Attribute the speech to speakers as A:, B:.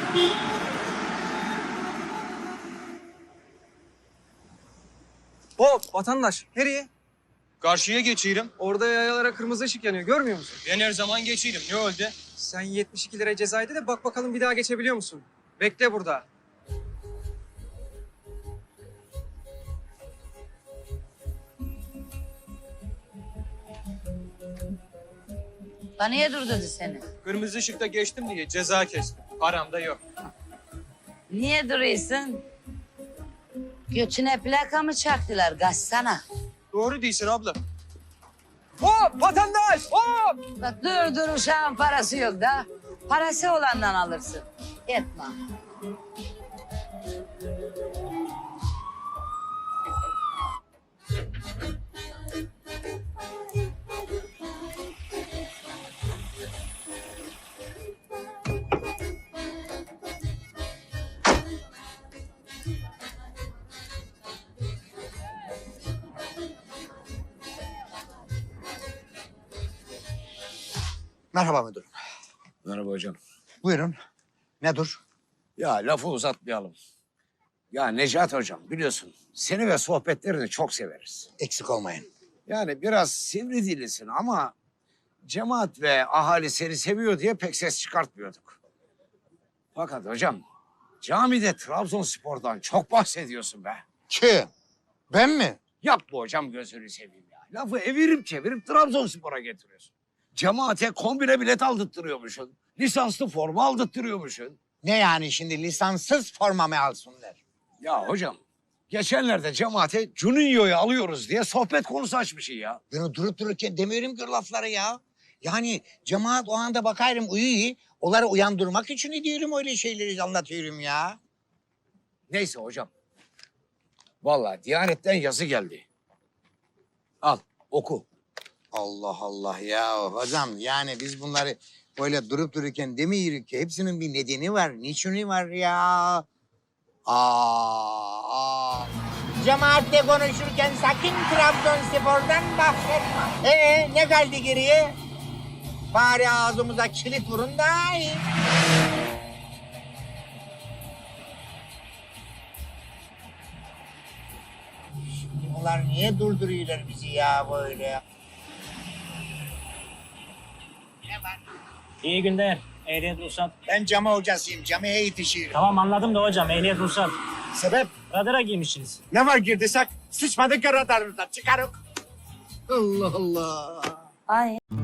A: Hop vatandaş nereye?
B: Karşıya geçiyorum.
A: Orada yayalara kırmızı ışık yanıyor görmüyor musun?
B: Ben her zaman geçirim. Ne oldu?
A: Sen 72 lira cezaydı da bak bakalım bir daha geçebiliyor musun? Bekle burada.
C: Bana niye durdurdu seni?
B: Kırmızı ışıkta geçtim diye ceza kestim. Param da yok.
C: Niye duruyorsun? Götüne plaka mı çaktılar? Kaçsana.
B: Doğru değilsin abla.
A: Hop vatandaş hop!
C: Bak dur uşağın parası yok da. Parası olandan alırsın. Etme.
D: Merhaba müdürüm.
E: Merhaba hocam.
D: Buyurun. Nedir?
E: Ya lafı uzatmayalım. Ya Necat hocam biliyorsun seni ve sohbetlerini çok severiz.
D: Eksik olmayın.
E: Yani biraz sivri dilisin ama cemaat ve ahali seni seviyor diye pek ses çıkartmıyorduk. Fakat hocam camide Trabzonspor'dan çok bahsediyorsun be.
D: Kim? Ben mi?
E: Yapma hocam gözünü seveyim ya. Lafı evirip çevirip Trabzonspor'a getiriyorsun. Cemaate kombine bilet aldırttırıyormuşsun. Lisanslı forma aldırttırıyormuşsun.
D: Ne yani şimdi lisanssız forma mı alsınlar?
E: Ya hocam geçenlerde cemaate Juninho'yu alıyoruz diye sohbet konusu açmışsın ya.
D: Ben o durup dururken demiyorum ki o lafları ya. Yani cemaat o anda bakarım uyuyor. Onları uyandırmak için diyorum öyle şeyleri anlatıyorum ya.
E: Neyse hocam. Vallahi Diyanet'ten yazı geldi. Al oku.
D: Allah Allah ya hocam yani biz bunları böyle durup dururken demiyoruz ki hepsinin bir nedeni var. Niçini var ya? Cemaatle konuşurken sakın Trabzonspor'dan bahsetme. Ne kaldı geriye? Bari ağzımıza kilit vurun da iyi. Şimdi bunlar niye durduruyorlar bizi ya böyle? Ne var?
F: İyi günler. Ehliyet ruhsat.
D: Ben cami hocasıyım. Camiye yetişiyorum.
F: Tamam anladım da hocam ehliyet ruhsat.
D: Sebep?
F: Radara giymişsiniz.
D: Ne var girdiysek sıçmadık ya radarımızdan. Çıkarık. Allah Allah.
C: Ay.